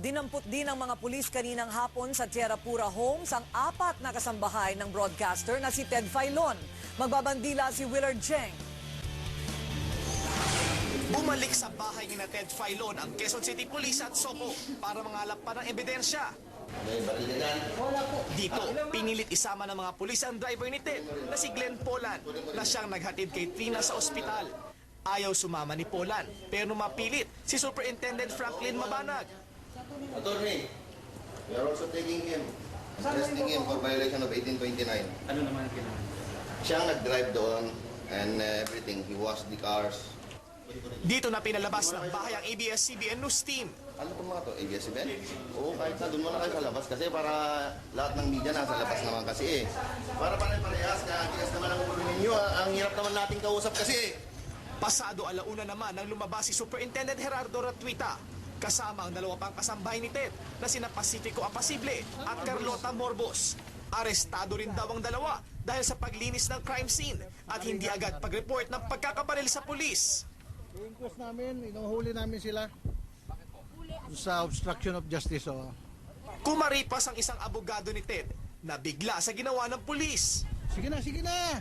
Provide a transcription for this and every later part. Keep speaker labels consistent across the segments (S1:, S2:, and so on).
S1: Dinampot din ng mga pulis kaninang hapon sa Tierra Pura Homes ang 4 na kasambahay ng broadcaster na si Ted Filon. Magbabandila si Willard Cheng.
S2: Bumalik sa bahay ni Ted Filon ang Quezon City Police at SOPO para mangalap pa ng ebidensya. Dito, pinilit isama ng mga pulis ang driver ni Ted na si Glenn Polan na siyang naghatid kay Trina sa ospital. Ayaw sumama ni Polan pero mapilit si Superintendent Franklin Mabanag.
S3: Attorney, we are also taking him, arresting him for violation of 1829.
S4: Ano naman ang kailangan?
S3: Siyang nag-drive doon and everything. He washed the cars.
S2: Dito na pinalabas ng bahay ang ABS-CBN News Team.
S3: Ano itong mga to? ABS-CBN? Oo, kahit na doon muna kayo sa labas kasi para lahat ng media nasa labas naman kasi eh. Para pare-parehas na tigas naman ang ulo ninyo. Ang hirap naman nating kausap kasi eh.
S2: Pasado alauna naman nang lumabas si Superintendent Gerardo Ratuita kasama ang 2 pang kasambahay ni Ted na sina Pacifico Apasible at Carlota Morbos. Arestado rin daw ang 2 dahil sa paglinis ng crime scene at hindi agad pag-report ng pagkakabaril sa pulis.
S5: I-inquest namin, inuhuli namin sila sa obstruction of justice.
S2: Kumaripas ang isang abogado ni Ted na bigla sa ginawa ng pulis.
S5: Sige na, sige na!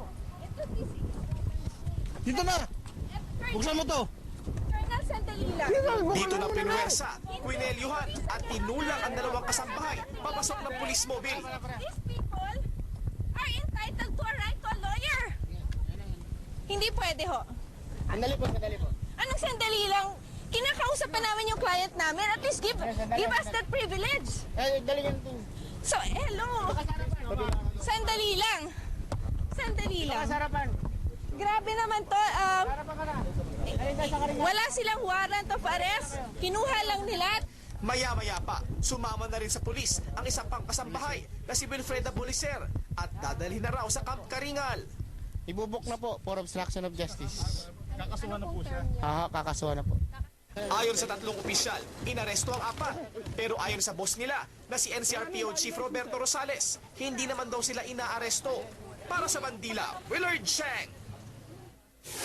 S5: Dito na! Buksan mo to!
S6: Colonel, sandali lang.
S2: Dito na pinuwersa, kwinelyuhan at tinulang ang 2 kasambahay papasok ng police mobile.
S6: These people are entitled to a right to a lawyer. Hindi pwede ho.
S7: Sandali po, sandali po.
S6: Anong sandali lang? Kinakausap pa namin yung client namin. At least give us that privilege.
S7: Dali yan po.
S6: So, hello. Sandali lang. Sandali lang.
S7: Sarapan.
S6: Grabe naman to.
S7: Sarapan ka na.
S6: Wala silang warrant of arrest. Kinuha lang nila.
S2: Maya-maya pa, sumama na rin sa pulis ang isang pang kasambahay na si Wilfreda Bolicer at dadalhin na raw sa Camp Karingal.
S7: Ibubuk na po for obstruction of justice.
S5: Kakasuhan na po siya.
S7: Kakasuhan na po.
S2: Ayon sa 3 opisyal, inaresto ang 4. Pero ayon sa boss nila na si NCRPO Chief Roberto Rosales, hindi naman daw sila inaaresto. Para sa Bandila, Willard Cheng.